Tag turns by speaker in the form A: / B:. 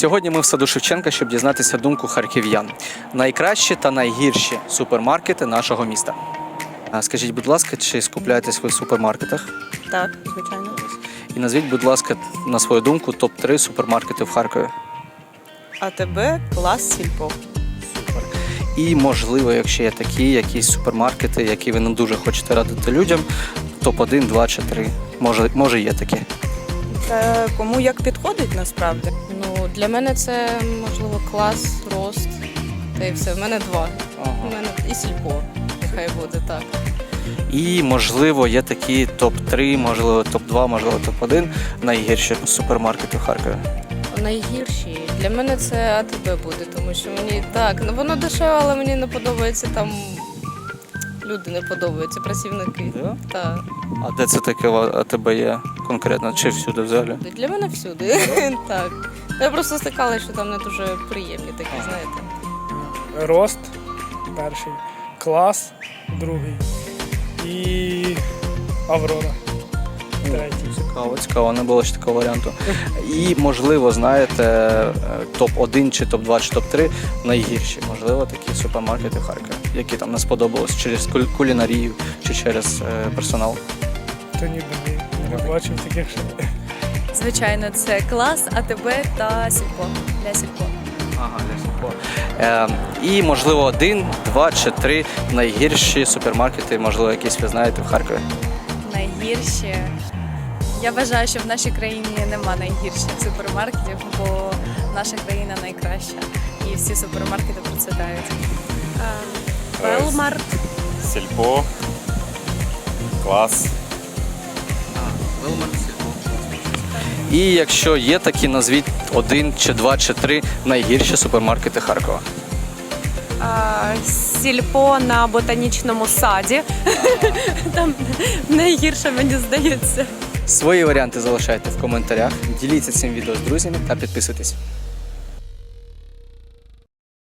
A: Сьогодні ми в саду Шевченка, щоб дізнатися думку харків'ян. Найкращі та найгірші супермаркети нашого міста. Скажіть, будь ласка, чи скупляєтесь ви в супермаркетах?
B: Так, звичайно.
A: І назвіть, будь ласка, на свою думку, топ-3 супермаркети в Харкові.
B: АТБ, Клас, Сільпо.
A: Супер. І, можливо, якщо є такі якісь супермаркети, які ви не дуже хочете радити людям, топ-1, 2 чи 3. Може є такі.
B: Та кому як підходить насправді.
C: Ну, для мене це, можливо, Клас, Рост, та й все. В мене два. У мене і Сільпо, нехай буде так.
A: І, можливо, є такі топ-3, можливо, топ-2, можливо, топ-1 найгірші супермаркети в Харкові.
C: Найгірші для мене це АТБ буде, тому що мені так, ну воно дешеве, але мені не подобається там. Люди не подобаються, працівники.
A: Да?
C: Так.
A: А де це таке АТБ є конкретно? Чи всюди взагалі?
C: Для мене всюди. Так. Я просто стикалася, що там не дуже приємні такі, знаєте.
D: Рост перший, Клас другий і Аврора третій.
A: Цікаво, не було ще такого варіанту. І, можливо, знаєте, топ-1 чи топ-2 чи топ-3 найгірші, можливо, такі супермаркети в Харкові, які там не сподобалось через кулінарію чи через персонал.
D: То ніби не бачив таких ще.
E: Звичайно, це Клас, АТБ та Сільпо. Для Сільпо.
A: Ага, і, можливо, 1, 2 чи 3 найгірші супермаркети, можливо, якісь ви знаєте в Харкові.
E: Найгірші. Я вважаю, що в нашій країні нема найгірших супермаркетів, бо наша країна найкраща. І всі супермаркети процвітають.
F: Велмарт, Сільпо, Клас.
A: І якщо є такі, назвіть 1 чи 2 чи 3 найгірші супермаркети Харкова.
G: Сільпо на ботанічному саді. Там найгірше, мені здається.
A: Свої варіанти залишайте в коментарях, діліться цим відео з друзями та підписуйтесь.